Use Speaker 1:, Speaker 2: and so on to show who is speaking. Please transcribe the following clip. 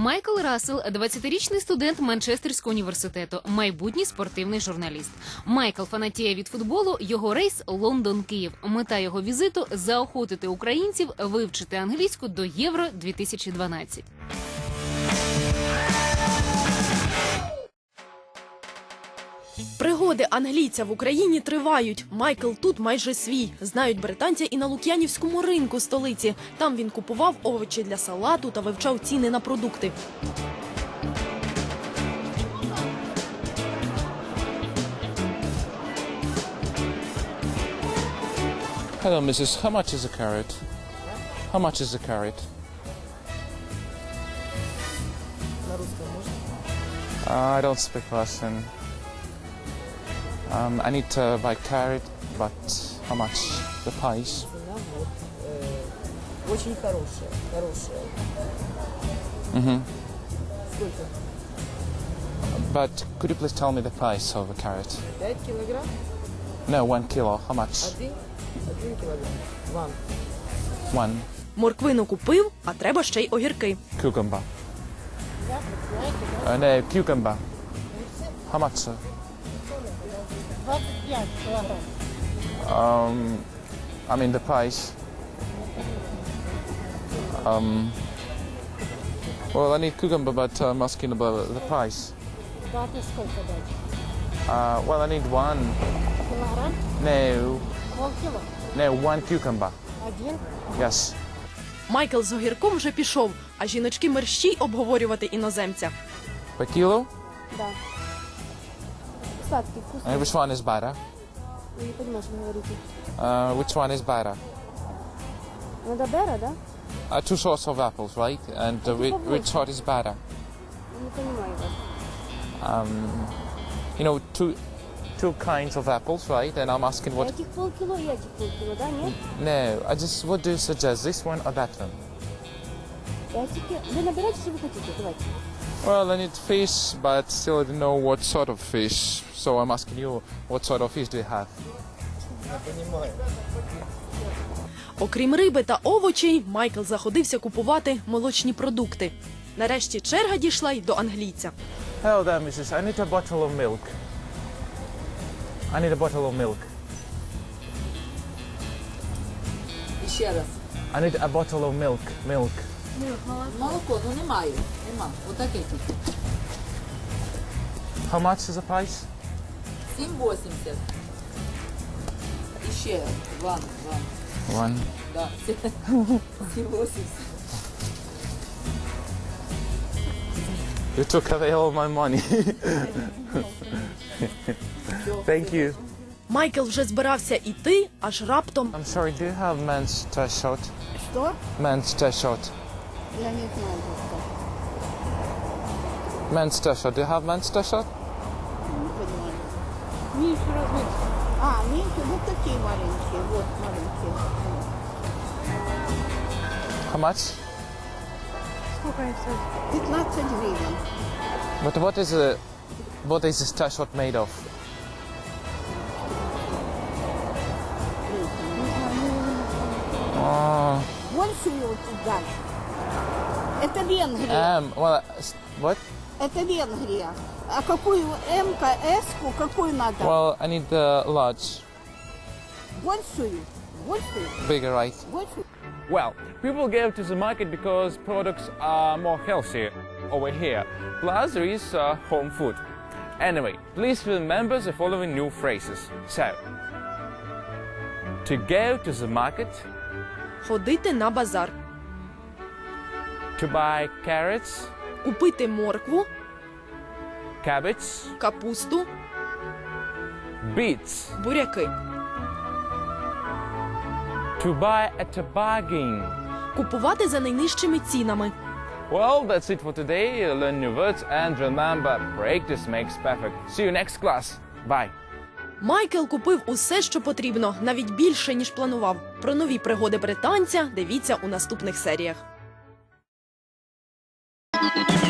Speaker 1: Майкл Рассел – 20-річний студент Манчестерського університету, майбутній спортивний журналіст. Майкл фанатіє від футболу, його рейс – Лондон-Київ. Мета його візиту – заохотити українців вивчити англійську до Євро-2012.
Speaker 2: Пригоди англійця в Україні тривають. Майкл тут майже свій. Знають британця і на Лук'янівському ринку столиці. Там він купував овочі для салату та вивчав ціни на продукти.
Speaker 3: Hello, Mrs. How much is a carrot? How much is a carrot? I don't speak Russian. I need to buy carrot, but how much? The price?
Speaker 4: Очень хорошая, хорошая. Сколько?
Speaker 3: But could you please tell me the price of a carrot?
Speaker 4: 5 килограмм?
Speaker 3: No, 1 kilo. How much?
Speaker 4: Один килограмм.
Speaker 3: One.
Speaker 2: Морквину купив, а треба ще й огірки.
Speaker 3: Cucumber. No, cucumber. How much, sir?
Speaker 4: 25 килограмм.
Speaker 3: I mean the price. Well, I need cucumber, but I'm asking about the price.
Speaker 4: Даты сколько дать?
Speaker 3: Well, I need one.
Speaker 4: Килограмм?
Speaker 3: No,
Speaker 4: Полкило?
Speaker 3: no, one cucumber.
Speaker 4: Один?
Speaker 3: Yes.
Speaker 2: Майкл з огірком вже пішов, а жіночки мерщій обговорювати іноземця.
Speaker 3: Per kilo?
Speaker 4: Да. Сладкий, вкусный.
Speaker 3: Which one is better?
Speaker 4: Вы не понимаешь, что вы говорите.
Speaker 3: Which one is better?
Speaker 4: Надо бера, да?
Speaker 3: Two sorts of apples, right? And which sort is better?
Speaker 4: Не понимаю вас.
Speaker 3: You know, two kinds of apples, right? And I'm asking what...
Speaker 4: Этих полкило и этих полкило, да? Нет?
Speaker 3: No, I just... What do you suggest? This one or that one?
Speaker 4: Вы набирайте, что вы хотите, давайте.
Speaker 3: Well, I need fish, but still I don't know what sort of fish. So I'm asking you, what sort of fish do you have?
Speaker 2: Окрім риби та овочей, Майкл заходився купувати молочні продукти. Нарешті черга дійшла й до англійця.
Speaker 3: Hello there, Mrs. I need a bottle of milk. I need a bottle of milk.
Speaker 5: Ще раз.
Speaker 3: I need a bottle of milk. Milk.
Speaker 5: Молоко, ну немає. Нема. Отаке тут.
Speaker 3: How much is the price?
Speaker 5: 7,80. І ще ван.
Speaker 3: One.
Speaker 5: Да. 7,80.
Speaker 3: You took away all my money. Thank you.
Speaker 2: Майкл вже збирався іти, аж раптом
Speaker 3: I'm sorry, do you have men's t-shirt?
Speaker 4: Что?
Speaker 3: Men's t-shirt.
Speaker 4: Я не знаю, что.
Speaker 3: Men's t-shirt. Do you have men's t-shirt?
Speaker 4: Не понимаю. Меньше размер. Меньше, вот такие маленькие, вот маленькие.
Speaker 3: How much?
Speaker 4: Сколько их стоит? 15 гривен.
Speaker 3: But what is this t-shirt made of?
Speaker 4: Большую вот дать. Это Венгрия.
Speaker 3: Well, what?
Speaker 4: Это Венгрия. А какую М-ку, С-ку, какую надо?
Speaker 3: Well, I need the large,
Speaker 4: Большую. Большую.
Speaker 3: bigger, right?
Speaker 4: Большую.
Speaker 6: Well, people go to the market because products are more healthy over here. Plus, there is home food. Anyway, please remember the following new phrases. So, to go to the market,
Speaker 2: ходити на базар,
Speaker 6: to buy carrots,
Speaker 2: купити моркву,
Speaker 6: cabbage,
Speaker 2: капусту,
Speaker 6: beets,
Speaker 2: буряки,
Speaker 6: to buy at a bargain.
Speaker 2: купувати за найнижчими цінами.
Speaker 6: Well, that's it for today. Learn new words and remember, practice makes perfect. See you next class. Bye.
Speaker 2: Майкл купив усе, що потрібно, навіть більше, ніж планував. Про нові пригоди британця дивіться у наступних серіях.